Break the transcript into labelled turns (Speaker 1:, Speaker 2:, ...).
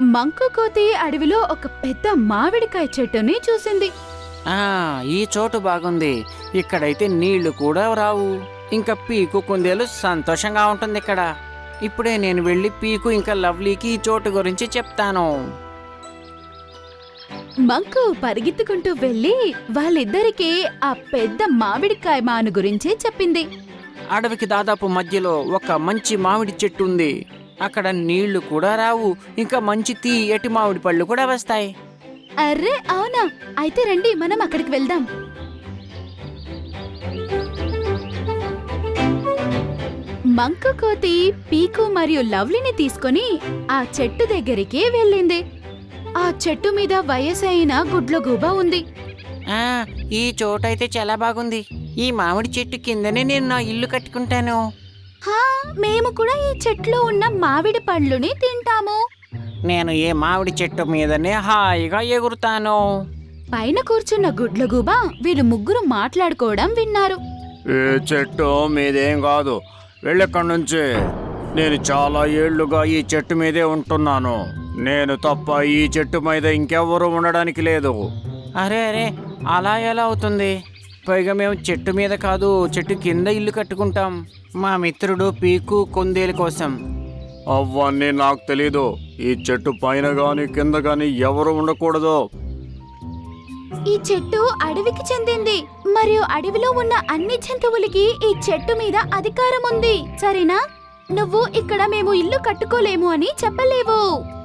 Speaker 1: మంకు కోతి అడవిలో ఒక పెద్ద మామిడికాయ చెట్టుని చూసింది.
Speaker 2: ఈ చోటు బాగుంది. ఇక్కడైతే నీళ్లు కూడా రావు. ఇంకా పీకు కుందేలు సంతోషంగా ఉంటుంది ఇక్కడ. ఇప్పుడే నేను వెళ్ళి పీకు ఇంకా లవ్లీకి ఈ చోటు గురించి చెప్తాను.
Speaker 1: మంకు పరిగెత్తుకుంటూ వెళ్లి వాళ్ళిద్దరికీ ఆ పెద్ద మామిడికాయ మాను గురించి చెప్పింది.
Speaker 2: అడవికి దాదాపు మధ్యలో ఒక మంచి మామిడి చెట్టు ఉంది. అక్కడ నీళ్లు కూడా రావు. ఇంకా మంచి తీయటి మామిడి పళ్ళు కూడా వస్తాయి.
Speaker 1: అర్రే అవునా, అయితే రండి మనం అక్కడికి వెళ్దాం. మంకు కోతి పీకు మరియు లవ్లీని తీసుకొని ఆ చెట్టు దగ్గరికి వెళ్ళింది. ఆ చెట్టు మీద వయసైన గుడ్లగూబ ఉంది.
Speaker 2: ఈ చోటైతే చాలా బాగుంది. ఈ మామిడి చెట్టు కిందనే నేను నా ఇల్లు కట్టుకుంటాను.
Speaker 1: మేము కూడా ఈ చెట్లో ఉన్న మామిడి పండ్లుని తింటాము.
Speaker 2: నేను ఈ మామిడి చెట్టు మీదనే హాయిగా ఎగురుతాను.
Speaker 1: పైన కూర్చున్న గుడ్లగూబ వీళ్ళు ముగ్గురు మాట్లాడుకోవడం విన్నారు.
Speaker 3: ఈ చెట్టు మీదేం కాదు, వెళ్ళెక్కడి నుంచి. నేను చాలా ఏళ్లుగా ఈ చెట్టు మీదే ఉంటున్నాను. నేను తప్ప ఈ చెట్టు మీద ఇంకెవ్వరూ ఉండడానికి లేదు.
Speaker 2: అరే అలా ఎలా అవుతుంది? పైగా మేము చెట్టు మీద కాదు, చెట్టు కింద ఇల్లు కట్టుకుంటాం మా మిత్రుడు పీకు కుందేలు కోసం.
Speaker 3: అవన్నీ నాకు తెలీదు. ఈ చెట్టు పైన గాని కింద గాని ఎవరు ఉండకూడదు.
Speaker 1: ఈ చెట్టు అడవికి చెందింది మరియు అడవిలో ఉన్న అన్ని జంతువులకి ఈ చెట్టు మీద అధికారం ఉంది. సరేనా? నువ్వు ఇక్కడ మేము ఇల్లు కట్టుకోలేము అని చెప్పలేవు.